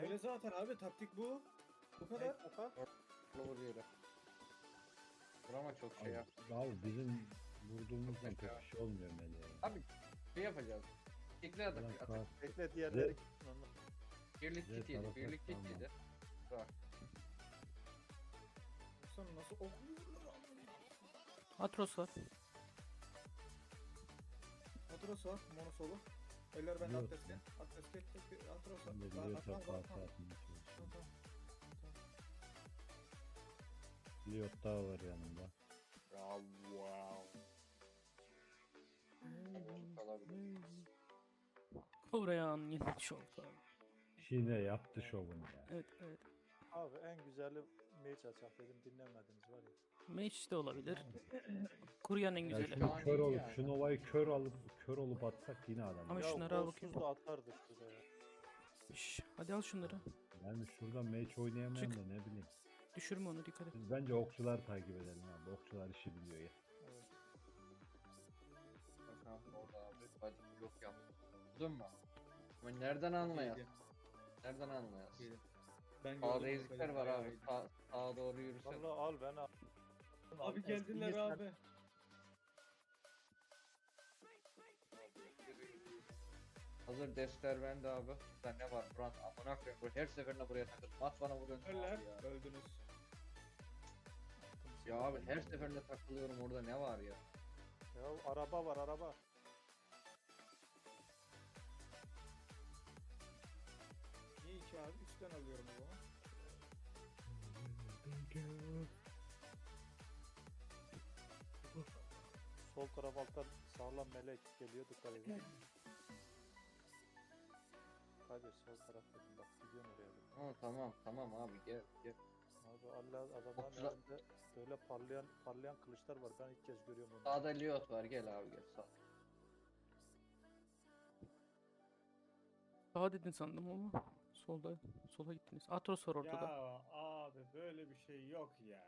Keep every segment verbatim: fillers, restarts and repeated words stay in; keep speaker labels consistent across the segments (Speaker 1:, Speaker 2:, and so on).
Speaker 1: Öyle zaten abi, taktik bu. Bu kadar.
Speaker 2: Oka.
Speaker 3: Vur yere. Vurama çok şey
Speaker 4: Abi,
Speaker 3: yap.
Speaker 4: abi bizim vurduğumuzdan
Speaker 3: Çok
Speaker 4: pek
Speaker 3: ya.
Speaker 4: bir şey olmuyor Melih.
Speaker 3: Abi şey yapacağız. Tekli atak.
Speaker 4: Ulan
Speaker 3: atak.
Speaker 4: kar-
Speaker 2: Bekle diğerleri
Speaker 4: Ve-
Speaker 2: gitsin ondan.
Speaker 3: Birlik
Speaker 4: Ve
Speaker 3: kit yedi.
Speaker 4: tarafa
Speaker 3: Birlik kit
Speaker 4: tamam.
Speaker 3: yedi. Bak.
Speaker 1: Sen nasıl okluyorlar?
Speaker 5: Atros var.
Speaker 1: Atros var, mono solo. Eller bende,
Speaker 4: Yok.
Speaker 1: Atres'te. Atres'te, Atros var.
Speaker 4: Ben de
Speaker 1: Lan,
Speaker 4: Liyot'a
Speaker 1: atma, atma,
Speaker 4: parça
Speaker 1: atma.
Speaker 4: atmaya çalışıyorum.
Speaker 1: Tamam, tamam.
Speaker 4: Liyot daha var yanında.
Speaker 3: Ya wow. Kalabilir.
Speaker 5: Koreyan yeni şovda.
Speaker 4: Yine yaptı şovunu ya.
Speaker 5: Evet evet.
Speaker 2: Abi en güzeli mage açak dedim dinlemediniz var ya.
Speaker 5: Match de olabilir. Kuryan en
Speaker 4: Ya
Speaker 5: güzeli.
Speaker 4: şunu
Speaker 3: Yani
Speaker 4: kör
Speaker 3: iyi
Speaker 4: olup,
Speaker 3: yani.
Speaker 4: şu Nova'yı kör alıp kör olup atsak yine adam.
Speaker 5: Ama
Speaker 2: Ya
Speaker 5: şunları al
Speaker 2: golsüz
Speaker 5: bakayım.
Speaker 2: da atardık şurada ya.
Speaker 5: Şş, hadi al şunları.
Speaker 4: Yani şurada match oynayamayan
Speaker 5: Çık.
Speaker 4: da ne bileyim.
Speaker 5: Düşürme onu, dikkat et.
Speaker 4: Biz bence okçular takip edelim abi. Okçular işi biliyor ya.
Speaker 2: Evet.
Speaker 3: Bakalım orada abi. Bacım yok yaptı. Buldun mu? Ama nereden anlayasın?
Speaker 1: Gel,
Speaker 3: Nereden anlayasın?
Speaker 1: gel. Ben
Speaker 3: Sağda
Speaker 1: gördüm,
Speaker 3: ezikler
Speaker 1: böyle
Speaker 3: var
Speaker 1: bayağı
Speaker 3: abi.
Speaker 1: iyiydi.
Speaker 3: Sağ, sağa doğru yürüsen.
Speaker 2: Valla al ben al.
Speaker 1: Abi geldiler
Speaker 2: Eskiyi sen-
Speaker 1: abi.
Speaker 3: Hazır destler bende abi. Burada ne var? Buran amına koyayım. Bu her seferinde buraya takıldım. At bana vuruyorsun.
Speaker 1: Öller,
Speaker 3: abi ya.
Speaker 1: öldünüz.
Speaker 3: Ya abi her seferinde takılıyorum, orada ne var ya?
Speaker 2: Ya araba var araba.
Speaker 1: İyi ki abi, üstten alıyorum o zaman.
Speaker 2: Sol taraf alttan sağlam melek geliyor dikkat edin. Hadi sol taraf dedim bak gidiyorum oraya. dedim.
Speaker 3: Ha, tamam tamam abi gel gel.
Speaker 2: Abi Allah adamların
Speaker 3: Okçular-
Speaker 2: elinde böyle parlayan parlayan kılıçlar var ben ilk kez görüyorum onu.
Speaker 3: Sağda Liot var, gel abi gel sağ.
Speaker 5: Sağa dedin sandım ama. Solda. Sola gittiniz. Atros var ortada.
Speaker 6: Ya abi böyle bir şey yok ya.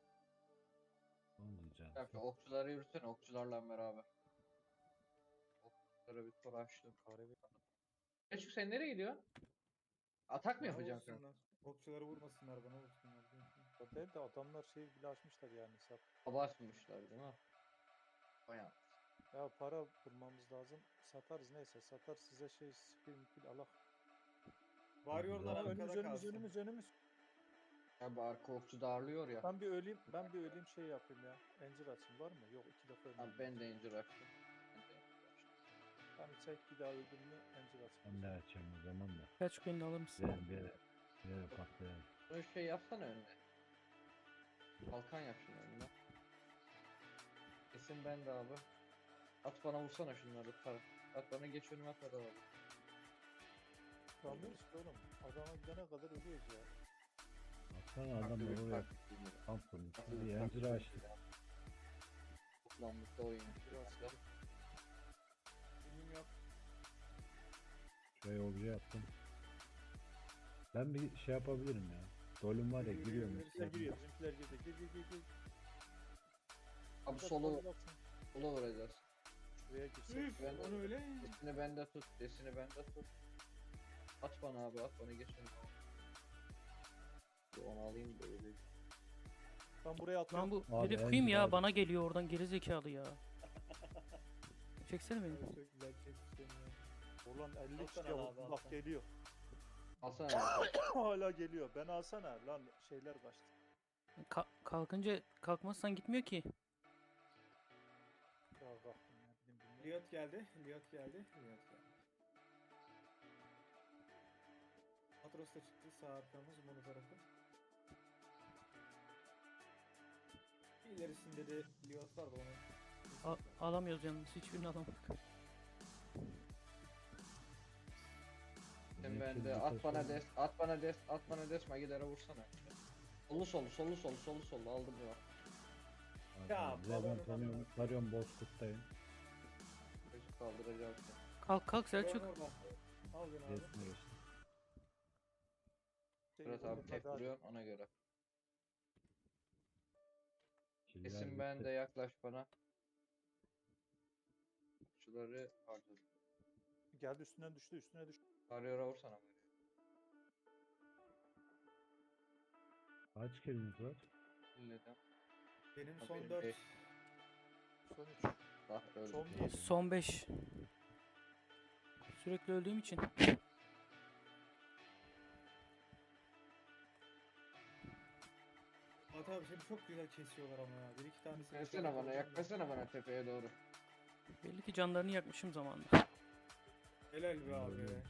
Speaker 4: Ne diyeceğim?
Speaker 3: Bak okçuları yürüsene, okçularla beraber. Okçulara bir tur açtım.
Speaker 2: Kahve
Speaker 3: Eşik sen nereye gidiyorsun? Atak mı
Speaker 1: Bana
Speaker 3: yapacaksın?
Speaker 1: vursunlar. Okçuları vurmasınlar, bana vursunlar.
Speaker 2: o değil de adamlar şey bile açmışlar yani hesap.
Speaker 3: Abartmışlar değil mi? Bayağı.
Speaker 2: Ya para bulmamız lazım. Satarız neyse satar size şey spin pil alak.
Speaker 1: Varıyorlar
Speaker 2: Aa,
Speaker 1: arkada
Speaker 2: önümüz önümüz
Speaker 1: kalsın.
Speaker 2: önümüz önümüz.
Speaker 3: Ya bu arka okçu darlıyor ya.
Speaker 2: Ben bir öleyim ben bir öleyim şey yapayım ya. Encir açayım var mı? Yok iki defa
Speaker 3: Abi
Speaker 2: ölmedim.
Speaker 3: ben de incir açtım. Ben de incir açtım.
Speaker 2: Ben çek bir daha öldüm mü encir
Speaker 4: Ben de
Speaker 2: açayım.
Speaker 4: açayım o zaman da.
Speaker 5: Selçuk beni de alır mısın?
Speaker 4: Bir bir yere, bir yere patlayalım.
Speaker 3: Şöyle şey yapsana önüne. Kalkan yap şunu önüne. Kesin ben de abi. At bana vursana şunları tar. At bana geç önüme kadar abi.
Speaker 2: Kalmıyoruz ki oğlum. Adama gidene kadar ölüyoruz ya.
Speaker 4: Baksana
Speaker 3: Farklı
Speaker 4: adam
Speaker 3: bir
Speaker 4: oraya
Speaker 3: taktik değil mi?
Speaker 4: kamp kurmuş.
Speaker 3: Nasıl
Speaker 4: Bir
Speaker 3: bir
Speaker 4: yancı
Speaker 3: taktik
Speaker 4: açtı.
Speaker 3: ya? Toplanmışta oyun.
Speaker 2: Biraz
Speaker 3: Biraz.
Speaker 1: Benim yok.
Speaker 4: Şuraya obje yaptım. Ben bir şey yapabilirim ya. Dolum var ya
Speaker 1: Yürü,
Speaker 4: giriyorum.
Speaker 1: yürü,
Speaker 2: Bizimkiler
Speaker 4: üstüne.
Speaker 2: giriyor. Bizimkiler girdi. Gir gir gir gir.
Speaker 3: Abi
Speaker 2: Bak,
Speaker 3: solo,
Speaker 2: bak, baksana.
Speaker 3: solo vuracağız.
Speaker 2: Şuraya girsek.
Speaker 1: Üf,
Speaker 3: Ben-
Speaker 1: onu öyle.
Speaker 3: Desini bende tut, desini bende tut. At bana abi, at bana geç önüme. Bir onu alayım da öyle.
Speaker 2: Ben buraya
Speaker 5: Lan
Speaker 2: atıyorum.
Speaker 5: bu
Speaker 4: Abi,
Speaker 5: herif
Speaker 4: en
Speaker 5: kim ya?
Speaker 4: güzel-
Speaker 5: Bana geliyor oradan, geri zekalı ya. Çeksene beni.
Speaker 1: Çok güzel çekmişsin ya.
Speaker 2: Ulan elli
Speaker 6: Alsana
Speaker 2: kişi
Speaker 6: abi,
Speaker 2: bak
Speaker 6: alsana.
Speaker 2: geliyor.
Speaker 3: Alsana abi.
Speaker 2: Hala geliyor. Ben alsana lan şeyler kaçtı.
Speaker 5: Ka- kalkınca kalkmazsan gitmiyor ki.
Speaker 2: Ya kalktım ya bildim bilmem.
Speaker 1: Liot geldi, Liot geldi, Liot geldi. Atros da çıktı, sağ arkamız, mono tarafı. İlerisinde de Liot var da onu.
Speaker 5: A- alamıyoruz yalnız. Hiçbirini alamadık.
Speaker 3: Sen
Speaker 4: Yeşil
Speaker 3: bende
Speaker 4: bir
Speaker 3: at bana
Speaker 4: taş
Speaker 3: des, at bana des, at bana des, magilere vursana. Solu solu, solu solu, solu solu aldım ya.
Speaker 4: Abi,
Speaker 6: Ya,
Speaker 4: bize ben
Speaker 6: balonu
Speaker 4: tanıyorum. Tarıyorum Bozkurt'tayım.
Speaker 3: Çocuk kaldıracağım seni.
Speaker 5: Kalk kalk Selçuk.
Speaker 1: Liot orada. Al beni abi.
Speaker 4: Resme geçtim.
Speaker 2: Şey,
Speaker 3: Fırat
Speaker 2: oğlum,
Speaker 3: abi tek
Speaker 2: hadi, hadi.
Speaker 3: vuruyorum ona göre.
Speaker 4: Killer
Speaker 3: Kesin ben
Speaker 4: bitti.
Speaker 3: de yaklaş bana. Şuları harcadım.
Speaker 2: Geldi üstünden düştü üstüne düştü.
Speaker 3: Arıyor'a vursana.
Speaker 4: Kaç kiliniz var?
Speaker 3: Millete.
Speaker 6: Benim
Speaker 3: Abi
Speaker 6: son
Speaker 3: benim
Speaker 6: dört.
Speaker 3: beş.
Speaker 2: Son üç.
Speaker 3: Ah öldü.
Speaker 2: Son bir.
Speaker 5: Son beş. Sürekli öldüğüm için.
Speaker 6: Fatih abi seni çok güzel kesiyorlar ama ya. Bir iki tanesi.
Speaker 3: Yaklaşsana bana, yaklaşsana bana tepeye doğru.
Speaker 5: Belli ki canlarını yakmışım zamanında.
Speaker 6: Helal be abi.
Speaker 4: Öyle.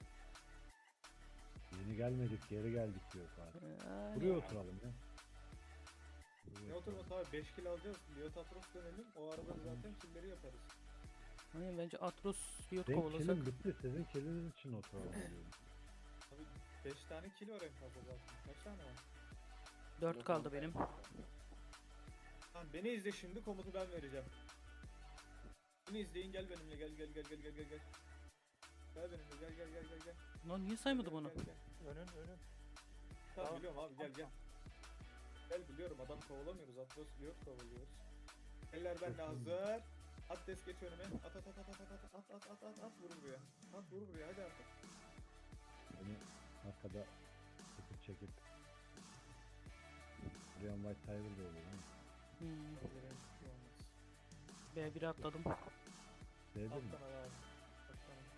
Speaker 4: Yeni gelmedik, geri geldik diyor Fatih.
Speaker 5: Yani
Speaker 4: Buraya oturalım ya. Buraya
Speaker 6: Ne oturması abi, beş kill alacağız. Liotapros dönelim. O arada zaten killleri yaparız.
Speaker 5: Hani bence Atros Riot
Speaker 4: Benim
Speaker 5: kovalasak.
Speaker 4: kilim bitti, sizin kiliniz için oturalım diyorum.
Speaker 6: Abi beş tane kill var en fazla zaten. Kaç tane var?
Speaker 5: dört kaldı benim.
Speaker 6: Tamam beni izle, şimdi komutu ben vereceğim. Beni izleyin, gel benimle, gel gel gel gel gel gel gel. Gel benimle, gel gel gel gel gel.
Speaker 5: Lan niye saymadı
Speaker 6: Gel,
Speaker 5: bunu?
Speaker 6: gel, gel.
Speaker 2: Önün önün.
Speaker 6: Tamam,
Speaker 2: Tamam.
Speaker 6: biliyorum abi, gel gel. Gel biliyorum, adam kovalamıyoruz, Atlas Liot kovalıyoruz. Eller bende hazır. At des geç önüme. At at at at at at at at at at at at vur buraya. At vur buraya, hadi artık.
Speaker 4: Beni arkada çekip çekip. Brian White Tiger da olur ha.
Speaker 5: Hmm.
Speaker 6: Hazırım, bir şey olmaz.
Speaker 5: B bir'e atladım.
Speaker 4: Sevdin mi?
Speaker 6: Alttan al abi. Alttan al.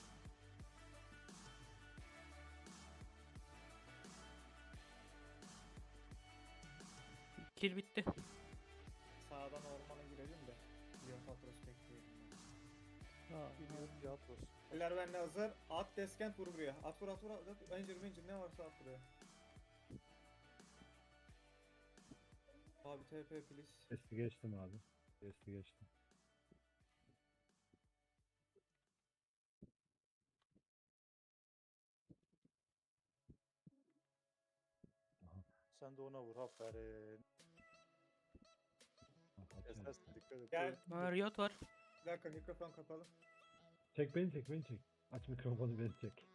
Speaker 5: Kill bitti.
Speaker 6: Sağdan ormana girelim de. Liot Atlas bekleyelim.
Speaker 5: Aa,
Speaker 2: Biliyorum ya Atros.
Speaker 6: Eller bende hazır. At deskent vur buraya. At vur at vur at. at. Ranger Ranger ne varsa at buraya. Abi T P please.
Speaker 4: Testi geçtim abi. Testi geçtim.
Speaker 2: Sen de ona vur, aferin.
Speaker 4: Ah, açayım.
Speaker 2: Esas dikkat et.
Speaker 6: Gel.
Speaker 5: Aa, Riot var.
Speaker 6: Bir dakika, mikrofon kapalı.
Speaker 4: Çek beni çek beni çek. Aç mikrofonu beni çek.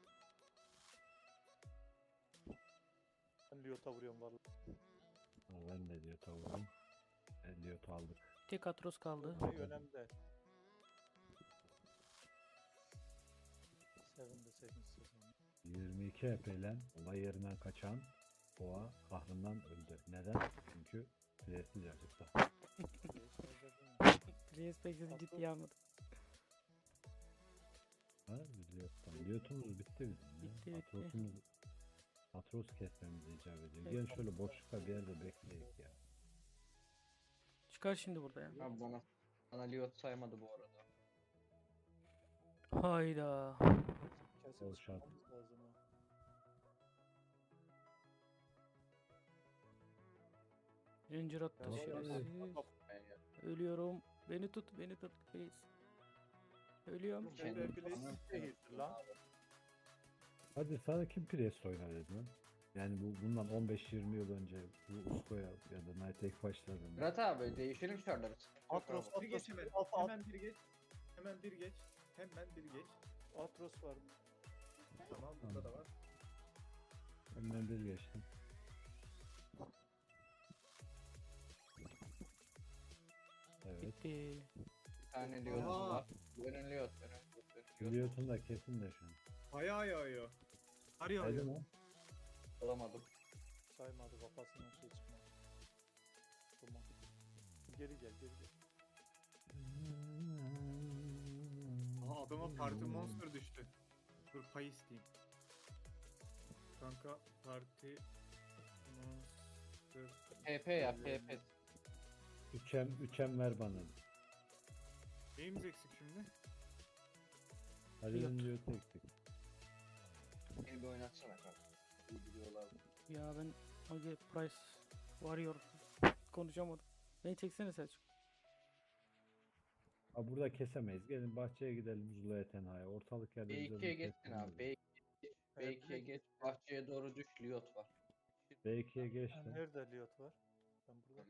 Speaker 2: Ben Liot'a vuruyorum valla.
Speaker 4: Ha, ben de diyor tavuğum. Elliot'u aldık.
Speaker 5: Tek Atros kaldı.
Speaker 2: Şey önemli değil. Seven de sekiz sezon.
Speaker 4: yirmi iki H P ile olay yerinden kaçan boğa kahrından öldü. Neden? Çünkü presiz acıktı.
Speaker 5: Respect'siz ciddiye almadı.
Speaker 4: Ha, Liot'tan. Liot'umuz bitti bizim ya.
Speaker 5: Bitti, bitti.
Speaker 4: Atros'umuz Atros kesmemiz icap ediyor. Gel şöyle boşlukta bir yerde bekleyek ya.
Speaker 5: Çıkar şimdi burada ya.
Speaker 3: Abi bana, bana Liot saymadı bu arada.
Speaker 5: Hayda.
Speaker 2: Kesip
Speaker 4: Ol şart.
Speaker 2: çıkmamız lazım ha.
Speaker 5: Ranger attı
Speaker 2: Yavaş
Speaker 4: yavaş.
Speaker 5: şerefsiz.
Speaker 2: Bak,
Speaker 3: Ben ya.
Speaker 5: Ölüyorum. Beni tut, beni tut please. Ölüyorum.
Speaker 6: Dur,
Speaker 3: Kendim
Speaker 6: T P please.
Speaker 3: falan
Speaker 2: Değildir lan.
Speaker 4: Hadi sana kim Priest oynar dedi lan? Yani bu bundan on beş yirmi yıl önce bu Usko'ya ya da Night Egg başladığında.
Speaker 3: Murat abi değişelim şartları.
Speaker 2: Atros,
Speaker 6: Bir geç
Speaker 2: Atros,
Speaker 6: hemen.
Speaker 2: at, at,
Speaker 6: Hemen bir geç. Hemen bir geç. Hemen bir geç.
Speaker 2: Atros var.
Speaker 6: Tamam, burada da var.
Speaker 4: Önden bir geçtim. Evet.
Speaker 5: Bitti.
Speaker 3: Bir tane Liot
Speaker 6: Aa.
Speaker 3: var. Önün Liot, önün Liot, önün Liot.
Speaker 4: Biliyorsun da kesin de şu an.
Speaker 6: Ayağa yağıyor. Kar yağıyor.
Speaker 4: Haydi lan.
Speaker 3: Alamadım.
Speaker 2: Saymadı, kafasından şey çıkmadı. Tamam. Geri gel, geri gel.
Speaker 6: Aha, adama parti monster düştü. Dur pay isteyeyim. Kanka parti monster.
Speaker 3: P P yap, P P.
Speaker 4: Üçem, üçem ver bana.
Speaker 6: Neyimiz eksik şimdi?
Speaker 4: Halil'in diyor tektik.
Speaker 3: Beni bir oynatsana kanka. İyi biliyorlar.
Speaker 5: Ya ben Age Price Warrior konuşamadım. Beni çeksene Selçuk.
Speaker 4: Ha burada kesemeyiz. Gelin bahçeye gidelim Zula'ya tenhaya. Ortalık yerde
Speaker 3: B
Speaker 4: bize
Speaker 3: ikiye
Speaker 4: bunu
Speaker 3: geçsin
Speaker 4: kesmeyin.
Speaker 3: abi. B ikiye B ikiye geç. Bahçeye doğru düş. Liot var.
Speaker 4: B ikiye
Speaker 2: Ha,
Speaker 4: geçtim.
Speaker 2: nerede Liot var? Ben burada.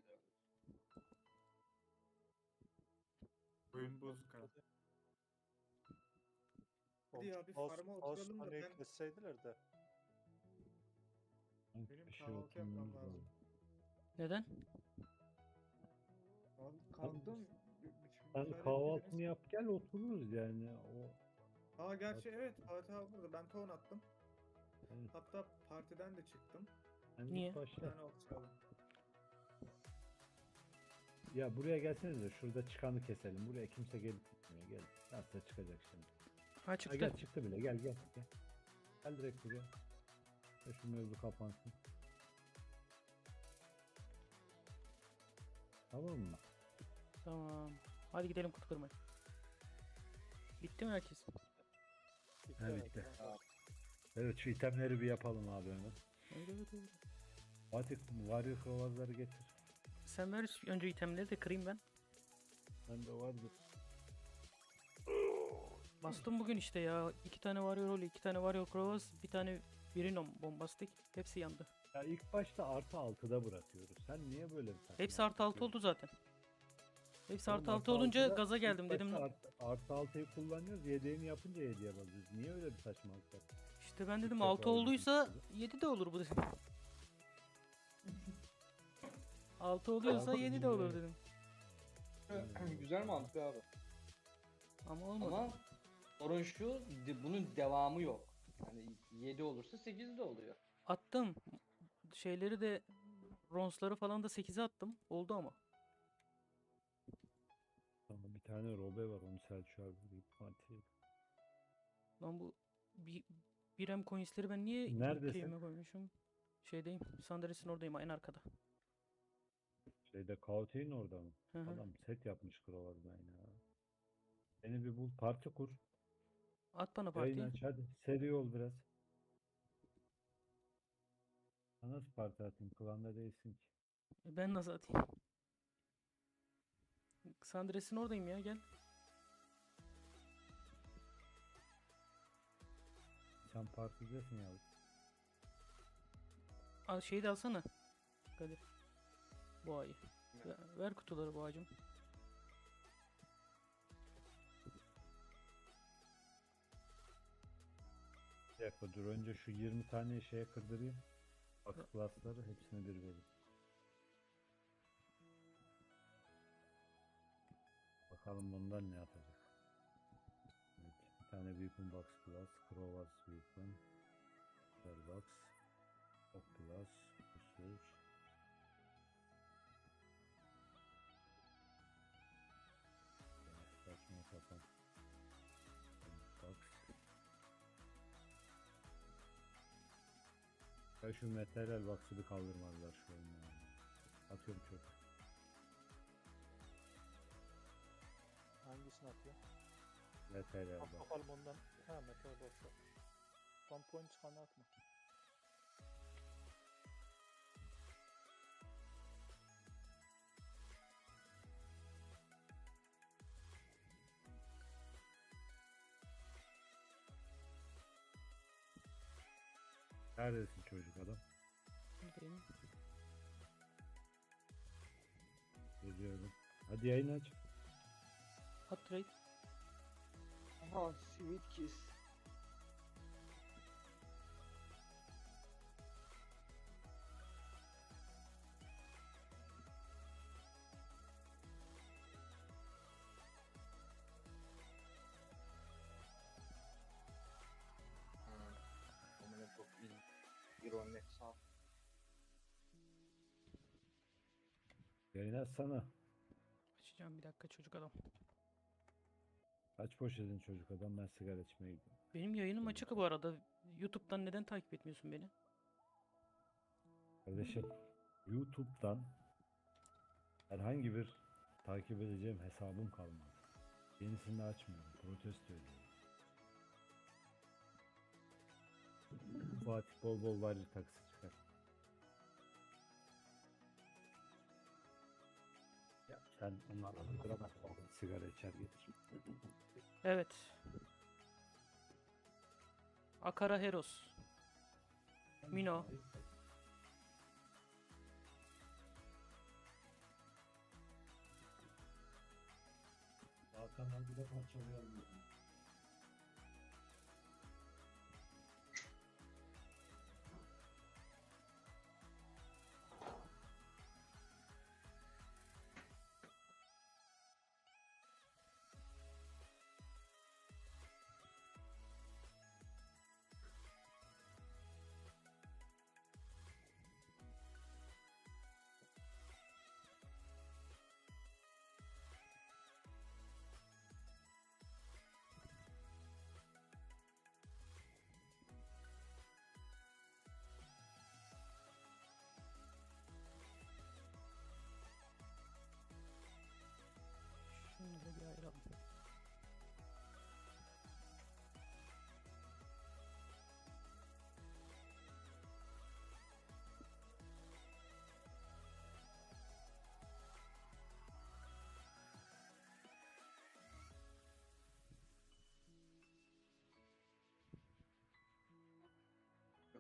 Speaker 6: Oyun bozuk ha. Hadi ya, bir
Speaker 2: Ağustos-
Speaker 6: farma
Speaker 2: Ağustos
Speaker 6: oturalım da
Speaker 2: hani
Speaker 6: ben-
Speaker 2: kesseydiler de.
Speaker 4: Sanki
Speaker 6: Benim
Speaker 4: bir şey
Speaker 6: kahvaltı yapmam
Speaker 4: oturmamız
Speaker 6: lazım.
Speaker 4: lazım.
Speaker 5: Neden?
Speaker 6: Abi kalktım.
Speaker 4: Sen
Speaker 6: müsaade
Speaker 4: kahvaltını
Speaker 6: etmediniz.
Speaker 4: yap gel otururuz yani. O
Speaker 6: Aa gerçi evet, Fatih abi burada. Ben ton attım.
Speaker 4: Evet.
Speaker 6: Hatta partiden de çıktım.
Speaker 4: Yani
Speaker 5: Niye?
Speaker 4: ilk
Speaker 6: Bir
Speaker 4: başta
Speaker 6: tane ok çaldım.
Speaker 4: ya buraya gelseniz de şurada çıkanı keselim. Buraya kimse gelip gitmiyor. Gel. Nasıl çıkacak şimdi?
Speaker 5: Ha
Speaker 4: Ha,
Speaker 5: çıktı.
Speaker 4: gel çıktı bile. Gel gel gel. Gel direkt buraya. Ve şu mevzu kapansın. Tamam mı?
Speaker 5: Tamam. Hadi gidelim kutu kırmaya. Bitti mi herkes?
Speaker 2: Bitti,
Speaker 4: Ha,
Speaker 2: evet,
Speaker 4: bitti.
Speaker 2: tamam.
Speaker 4: Evet şu itemleri bir yapalım abi hemen.
Speaker 5: Evet, evet, evet.
Speaker 4: Fatih varyo kovazları getir.
Speaker 5: Sen ver önce itemleri de kırayım ben.
Speaker 4: Bende vardı.
Speaker 5: Bastım bugün işte ya. İki tane Warrior Holy, iki tane Warrior Cross, bir tane Birinom bombastik. Hepsi yandı.
Speaker 4: Ya ilk başta artı altıda bırakıyoruz. Sen niye böyle bir saçma
Speaker 5: Hepsi artı altı
Speaker 4: yapıyorsun?
Speaker 5: oldu zaten. Hepsi
Speaker 4: Oğlum,
Speaker 5: artı altı olunca
Speaker 4: altıda
Speaker 5: gaza
Speaker 4: ilk
Speaker 5: geldim dedim.
Speaker 4: başta Artı, artı altıyı kullanıyoruz. Yedeğini yapınca yediye basıyoruz. Niye öyle bir saçmalık yaptın?
Speaker 5: İşte ben
Speaker 4: İlk
Speaker 5: dedim
Speaker 4: defa
Speaker 5: altı
Speaker 4: öyle bir
Speaker 5: olduysa
Speaker 4: şey
Speaker 5: yedi de olur bu dedim. altı oluyorsa
Speaker 4: Altı
Speaker 5: yedi de olur
Speaker 4: bilmiyorum.
Speaker 5: dedim.
Speaker 3: Güzel mantık abi.
Speaker 5: Ama olmadı.
Speaker 3: Ama sorun şu, de- bunun devamı yok. Yani yedi olursa sekiz de oluyor.
Speaker 5: Attım. Şeyleri de ronsları falan da sekize attım. Oldu ama.
Speaker 4: Tamam, bir tane Robe var, onu Selçuk'a vereyim. Fatih'e.
Speaker 5: Lan bu bir birem coinsleri ben niye
Speaker 4: Neredesin?
Speaker 5: keyime koymuşum? Şeydeyim. Sandalyesinin oradayım en arkada.
Speaker 4: Şeyde Kaute'in orada mı?
Speaker 5: Hı hı.
Speaker 4: Adam set yapmış Krovaz'dan ya. Beni bir bul, parti kur.
Speaker 5: At bana
Speaker 4: Yayın
Speaker 5: partiyi.
Speaker 4: aç hadi. Seri ol biraz. Ha, nasıl parti atayım? Klanda değilsin ki.
Speaker 5: E, Ben nasıl atayım? Sandalyesinin oradayım ya gel.
Speaker 4: Sen partidesin ya.
Speaker 5: Al şeyi de alsana. Kadir. Boğayı. Ver, ver kutuları boğacım.
Speaker 4: Bir dakika dur, önce şu yirmi tane şeye kırdırayım. Box class'ları hepsini bir vereyim. Bakalım bundan ne yapacak. Evet, bir tane Weapon Box Class, Krovaz Weapon, Box, Ok Class, Research. Saçma sapan. Box. Ya şu materyal box'ı bir kaldırmadılar şu oyunda. Atıyorum çöpe.
Speaker 2: Hangisini atıyor?
Speaker 4: Materyal
Speaker 2: Bak
Speaker 4: box.
Speaker 2: bakalım ondan. Ha, metal box var. Son point çıkanı atma.
Speaker 4: Neredesin çocuk adam?
Speaker 5: Buradayım.
Speaker 4: Geliyorum. Hadi yayın aç.
Speaker 5: At trade.
Speaker 3: Aha, sweet kiss. Amına çok iyi. İronik sağ.
Speaker 4: Yayın açsana.
Speaker 5: Açacağım bir dakika çocuk adam.
Speaker 4: Kaç poşetin çocuk adam, ben sigara içmeye gidiyorum.
Speaker 5: Benim yayınım açık bu arada. YouTube'dan neden takip etmiyorsun beni?
Speaker 4: Kardeşim YouTube'dan herhangi bir takip edeceğim hesabım kalmadı. Yenisini açmıyorum. Protesto ediyorum. Fatih bol bol var taksi çıkar. Ya sen onlarla duramazsın. Sigara içer getir.
Speaker 5: Evet. Akara Heros. Mino.
Speaker 4: Hakan'dan bir de parçalayalım.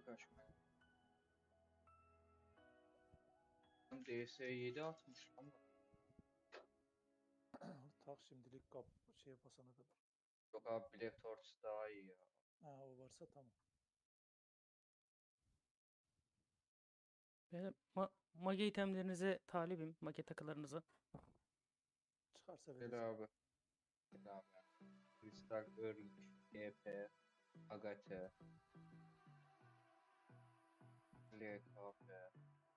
Speaker 3: kaç. D S yedi atmış ama.
Speaker 2: Tak şimdilik kap şeye basana kadar.
Speaker 3: Yok abi Black Torch daha iyi ya.
Speaker 2: Ha o varsa tamam.
Speaker 5: Ben ma mage itemlerinize talibim. Mage takılarınıza.
Speaker 2: Çıkarsa
Speaker 3: Gel
Speaker 2: vereceğim.
Speaker 3: abi. Gel abi. Kristal Örgü, E P, Agate, L K P.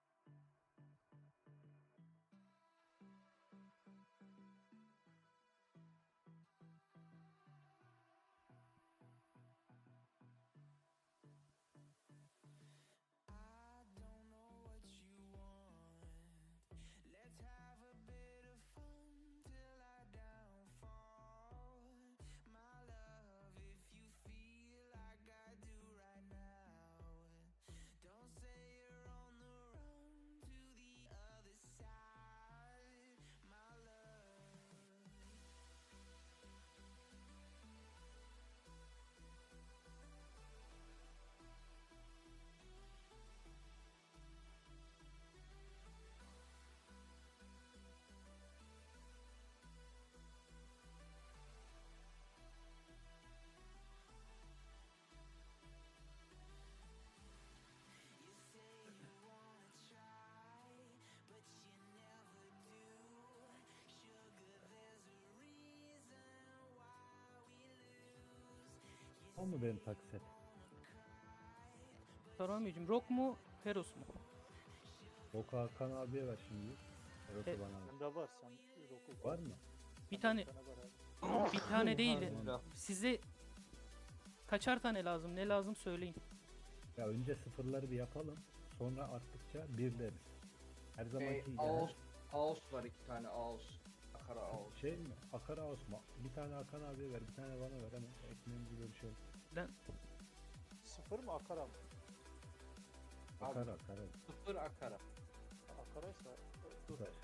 Speaker 4: O mu benim takset?
Speaker 5: Saramiyeciğim. Rock mu? Heros mu?
Speaker 4: Boku Hakan abiye ver şimdi. Eros'u
Speaker 5: E-
Speaker 4: bana ver.
Speaker 2: Bende var sen roku
Speaker 4: Var mı?
Speaker 5: Bir tane
Speaker 2: var abi.
Speaker 5: bir tane değil.
Speaker 3: Bismillah.
Speaker 5: Size kaçar tane lazım? Ne lazım söyleyin.
Speaker 4: Ya önce sıfırları bir yapalım. Sonra arttıkça birleriz. Her zamanki
Speaker 3: Şey,
Speaker 4: yani
Speaker 3: Ağus, Ağus var iki tane Ağus. Akara Ağus.
Speaker 4: şey mi? Akara Osman. Bir tane Hakan abiye ver, bir tane bana ver hemen. Ekmeğimizi bölüşelim.
Speaker 5: Ben
Speaker 2: Sıfır mı akara mı?
Speaker 3: Abi.
Speaker 4: Akara, akara.
Speaker 3: Sıfır Akara.
Speaker 2: Akaraysa dur.
Speaker 4: Ver.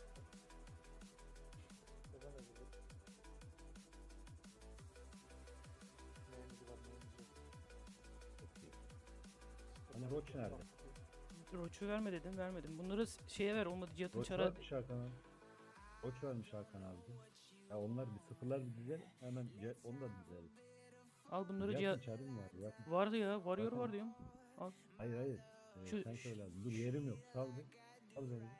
Speaker 2: Neden öyle dedim? Neyimiz var neyimiz yok.
Speaker 4: Çok iyi. Hani Roach nerede?
Speaker 5: Roach'u verme dedim, vermedim. Bunları s- şeye ver, olmadı Cihat'ın
Speaker 4: Roach
Speaker 5: çara.
Speaker 4: varmış Hakan abi. Roach varmış Hakan abi. Ya onlar bir sıfırlar bir dizel. Hemen ce- onu da dizelim.
Speaker 5: Al bunları
Speaker 4: Cihat'ın
Speaker 5: Cihat.
Speaker 4: çarı mı var? Yapma.
Speaker 5: Vardı ya, Warrior
Speaker 4: Zaten-
Speaker 5: var diyorum. Al.
Speaker 4: Hayır hayır. Ee,
Speaker 5: Şu-
Speaker 4: sen söyle abi. Dur yerim yok. Sal bir. Al beni.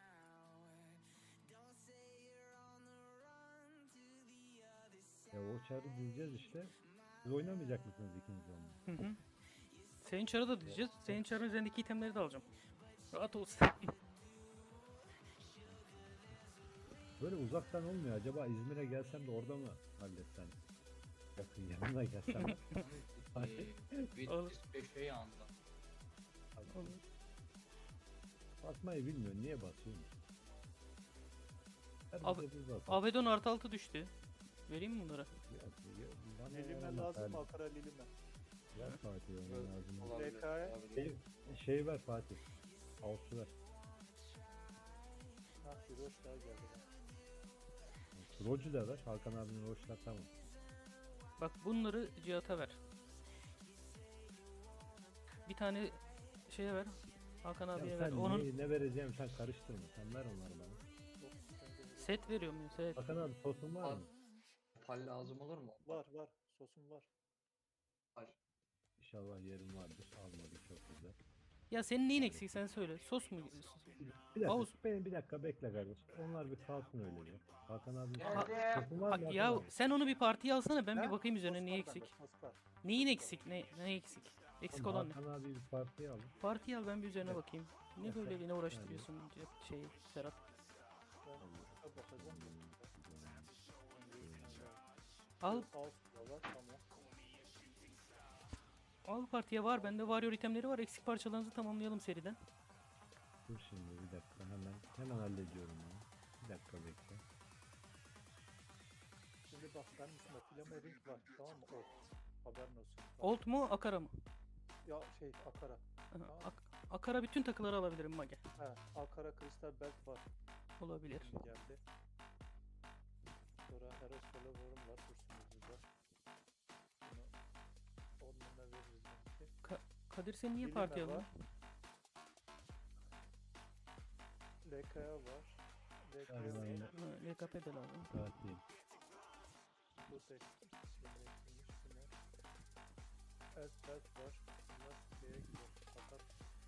Speaker 4: Ya o çarı diyeceğiz işte. Siz oynamayacak mısınız ikiniz onunla?
Speaker 5: Hı hı. Senin çarı da diyeceğiz. Senin çarın üzerindeki itemleri de alacağım. Rahat ol.
Speaker 4: Böyle uzaktan olmuyor. Acaba İzmir'e gelsem de orada mı halletsem? Yakın yanına gelsem.
Speaker 3: Bir
Speaker 5: Olur.
Speaker 3: beşe yandı.
Speaker 4: Basmayı bilmiyor. Niye basıyor? Her
Speaker 5: Abi-
Speaker 4: bize bir basar.
Speaker 5: Avedon artı altı düştü. Vereyim mi bunları?
Speaker 4: Ya, ya, bana
Speaker 2: Lilime
Speaker 4: yaramaz
Speaker 2: lazım
Speaker 4: abi.
Speaker 2: mı akara lilime?
Speaker 4: Ver Fatih ona lazım.
Speaker 3: Olabilir,
Speaker 2: L K'ya
Speaker 3: olabilir.
Speaker 4: Şey, şey ver Fatih. Ağustos ver.
Speaker 2: Ha bir hoş daha geldi.
Speaker 4: Rocu da ver. Hakan abinin roçlar tamam.
Speaker 5: Bak bunları Cihat'a ver. Bir tane şeye ver. Hakan
Speaker 4: Ya
Speaker 5: abiye ver.
Speaker 4: sen
Speaker 5: Onun
Speaker 4: ne, ne vereceğim sen karıştırma. Sen ver onları bana.
Speaker 2: Yok, bende yok.
Speaker 5: set veriyor muyum? Set.
Speaker 4: Hakan abi sosun var mı?
Speaker 3: Pal lazım olur mu?
Speaker 2: Var var sosum var.
Speaker 3: Pal.
Speaker 4: İnşallah yerim vardır. Almadık çok güzel.
Speaker 5: Ya senin neyin eksik sen söyle. Sos mu?
Speaker 4: Bir dakika.
Speaker 5: Ağustos.
Speaker 4: Benim bir dakika bekle kardeş. Onlar bir kalsın öyle bir. Hakan abi
Speaker 3: Geldim.
Speaker 4: sosun var mı? Hakan
Speaker 5: Ya
Speaker 4: abi?
Speaker 5: sen onu bir partiye alsana ben bir
Speaker 2: Ha?
Speaker 5: bakayım üzerine
Speaker 2: Sos
Speaker 5: niye
Speaker 2: var bende,
Speaker 5: eksik.
Speaker 2: sos var.
Speaker 5: Neyin eksik? Ne ne eksik? Eksik
Speaker 4: Tamam,
Speaker 5: olan ne?
Speaker 4: Hakan abi bir partiye alın.
Speaker 5: Partiye al ben bir üzerine
Speaker 4: Evet.
Speaker 5: bakayım. Ne
Speaker 4: Evet,
Speaker 5: böyle
Speaker 4: evet.
Speaker 5: yine uğraştırıyorsun şey Serhat.
Speaker 2: Ben şuna bakacağım.
Speaker 5: Al
Speaker 2: Ağustos var tamam.
Speaker 5: al partiye var bende Warrior itemleri var. Eksik parçalarınızı tamamlayalım seriden.
Speaker 4: Dur şimdi bir dakika hemen hemen hallediyorum onu. Bir dakika bekle.
Speaker 2: Şimdi bak benim üstümde flame ring var tamam mı? Ot. Haberin olsun. Bak,
Speaker 5: Old mu Akara mı?
Speaker 2: Ya şey akara.
Speaker 5: Aha, Ak- Akara bütün takıları alabilirim Mage.
Speaker 2: He akara kristal belt var.
Speaker 5: Olabilir.
Speaker 2: Şimdi geldi. Sonra Eros Follow'um var. Üstümüzde. Bunu onunla veririz belki.
Speaker 5: Kadir sen niye
Speaker 2: Bilime
Speaker 5: parti
Speaker 2: var.
Speaker 5: aldın?
Speaker 2: L K'ya var. L K'ya
Speaker 4: Galiba
Speaker 2: var.
Speaker 4: yine
Speaker 5: Ha, L K P de lazım.
Speaker 4: partiyim.
Speaker 2: Bu tek şeyle eklemiş yine. Evet, evet var. Bunlar şeye gidiyor. Fakat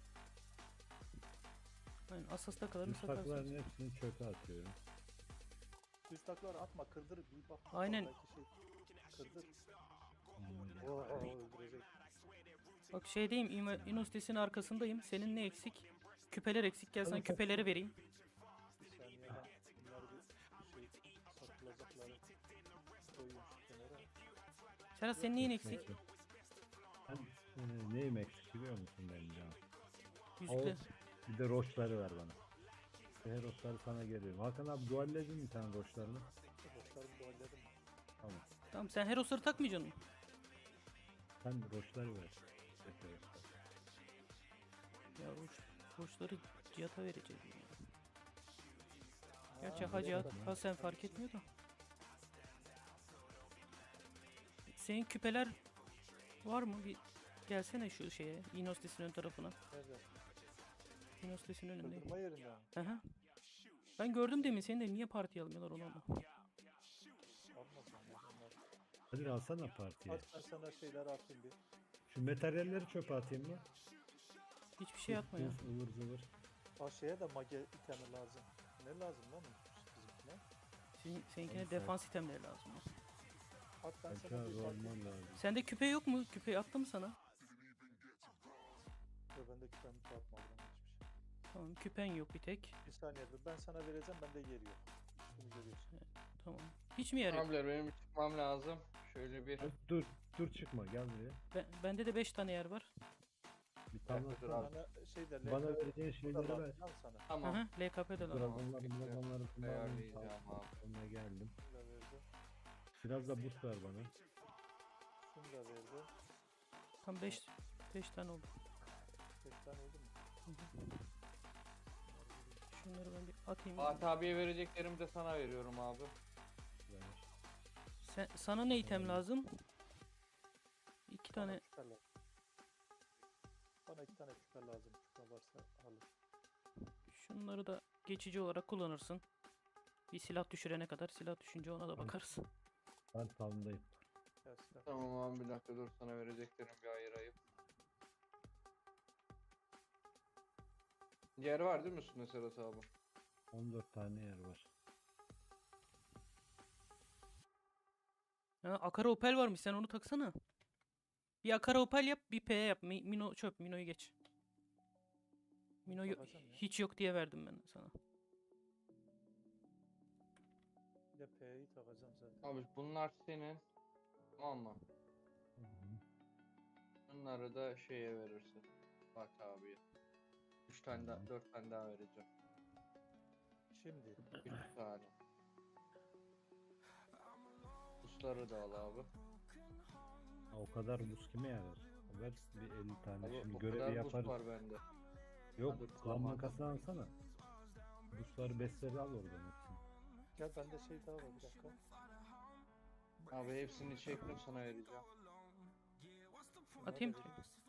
Speaker 5: Aynen Asas'ta kadarını
Speaker 4: Üst takların
Speaker 5: satarsın.
Speaker 4: hepsini çöpe atıyorum.
Speaker 2: düz taklar atma, kırdır bir bak.
Speaker 5: Aynen.
Speaker 2: Belki şey kırdır.
Speaker 4: Hmm.
Speaker 2: Oo, öldürecek.
Speaker 5: Bak şeydeyim, İma- İnostes'in arkasındayım. Senin ne eksik? Küpeler eksik. Gel sana
Speaker 4: Hadi
Speaker 5: küpeleri vereyim.
Speaker 2: Bir saniye ben bunları bir şey satılacakları koyuyorum şu kenara.
Speaker 5: Serhat senin neyin eksik?
Speaker 4: Neyse. Ben e, neyim eksik biliyor musun benim canım?
Speaker 5: Yüzde.
Speaker 4: Oğuz, bir de roşları ver bana. Her roşları sana geliyorum. Hakan abi dualledin mi sen roşlarını?
Speaker 2: Boşlarımı dualledim.
Speaker 4: Tamam.
Speaker 5: Tamam sen Heros'ları takmayacaksın mı?
Speaker 4: Sen roşları ver. Tek roşları.
Speaker 5: Ya Roş, Roşları Cihat'a vereceğiz. ya. Gerçi
Speaker 2: Aa,
Speaker 5: ha Cihat,
Speaker 2: evet.
Speaker 5: ha sen fark etmiyor da. Senin küpeler var mı? Bir gelsene şu şeye, Inostes'in ön tarafına.
Speaker 2: Nerede?
Speaker 5: Inostes'in önünde.
Speaker 2: Kırdırma yerinde mi?
Speaker 5: Aha. Ben gördüm demin seni de niye partiye almıyorlar onu ama.
Speaker 2: Almasın ya bunlar.
Speaker 4: Hadi alsana partiye.
Speaker 2: Aç ben sana şeyler atayım bir.
Speaker 4: Şu materyalleri çöpe atayım mı?
Speaker 5: Hiçbir şey atma ya.
Speaker 4: Tuz, ıvır zıvır.
Speaker 2: Aa şeye de mage itemi lazım. Ne lazım lan bizimkine?
Speaker 5: Senin, seninkine
Speaker 4: Onu
Speaker 5: defans itemleri lazım. ya.
Speaker 2: At ben
Speaker 4: Belki
Speaker 2: sana bir
Speaker 4: abi
Speaker 2: bakayım.
Speaker 4: olman lazım.
Speaker 5: Sende küpe yok mu? Küpe attım sana.
Speaker 2: Yo, ben de küpemi atmadım hiçbir şey.
Speaker 5: Tamam küpen yok bir tek.
Speaker 2: Bir saniye dur, ben sana vereceğim, bende yer yok. Üstünü görüyorsun.
Speaker 5: Tamam. Hiç mi yer yok?
Speaker 3: Abiler benim çıkmam lazım. Şöyle bir
Speaker 4: Dur, dur, dur çıkma gel buraya.
Speaker 5: Ben, bende de beş tane yer var.
Speaker 4: Bir tane
Speaker 3: dakika, dur
Speaker 4: atsana.
Speaker 3: abi.
Speaker 2: Bana şey de
Speaker 4: Bana
Speaker 2: L K P
Speaker 4: vereceğin şeyleri
Speaker 2: burada
Speaker 4: ver.
Speaker 2: lazım, al sana.
Speaker 3: tamam.
Speaker 5: Aha, L K P de lazım.
Speaker 4: Dragonları,
Speaker 3: Bekle.
Speaker 4: dragonları kullandım.
Speaker 3: Ayarlayacağım abi.
Speaker 4: Sonuna geldim.
Speaker 2: Şunu da verdi.
Speaker 4: Biraz da boost ver bana.
Speaker 2: Şunu da verdi.
Speaker 5: Tam beş beş tane oldu.
Speaker 2: beş tane oldu mu?
Speaker 5: Hı hı. Şunları ben bir atayım.
Speaker 3: Fatih abiye vereceklerimi de sana veriyorum abi.
Speaker 4: Ver.
Speaker 5: Sen, sana ne item lazım? İki
Speaker 2: Bana
Speaker 5: tane.
Speaker 2: küpe lazım. Bana iki tane küpe lazım. Küpe varsa alır.
Speaker 5: Şunları da geçici olarak kullanırsın. Bir silah düşürene kadar. Silah düşünce ona da
Speaker 4: Tamam.
Speaker 5: bakarız.
Speaker 4: Ben tavındayım.
Speaker 2: Gel silah.
Speaker 3: Tamam abi bir dakika dur sana vereceklerim bir ayırayım. Yer var değil mi üstünde Serhat abi?
Speaker 4: on dört tane yer var.
Speaker 5: Ha, Akara Opel varmış sen onu taksana. Bir Akara Opel yap bir P yap. Mi- Mino çöp. Mino'yu geç. Mino'yu
Speaker 2: Bakacağım ya.
Speaker 5: hiç yok diye verdim ben sana.
Speaker 2: Bir de P'yi takacağım zaten.
Speaker 3: Abi bunlar senin. Tamam mı?
Speaker 4: Hı hı.
Speaker 3: Bunları da şeye verirsin. Fatih abiye. Üç tane daha, dört tane daha vereceğim.
Speaker 2: Şimdi
Speaker 3: Üç tane. Busları da al abi.
Speaker 4: Ha, o kadar buz kime yarar? Ver bir elli tane.
Speaker 3: Abi
Speaker 4: Şimdi
Speaker 3: o
Speaker 4: görevi
Speaker 3: kadar bus
Speaker 4: yaparız.
Speaker 3: var bende.
Speaker 4: Yok,
Speaker 3: Hadi
Speaker 4: klan
Speaker 3: kullanma.
Speaker 4: makasını alsana. Busları besleri al oradan hepsini.
Speaker 2: gel bende şey daha var, bir dakika.
Speaker 3: Abi hepsini çektim sana vereceğim.
Speaker 2: Şunları
Speaker 5: Atayım.
Speaker 2: da vereyim.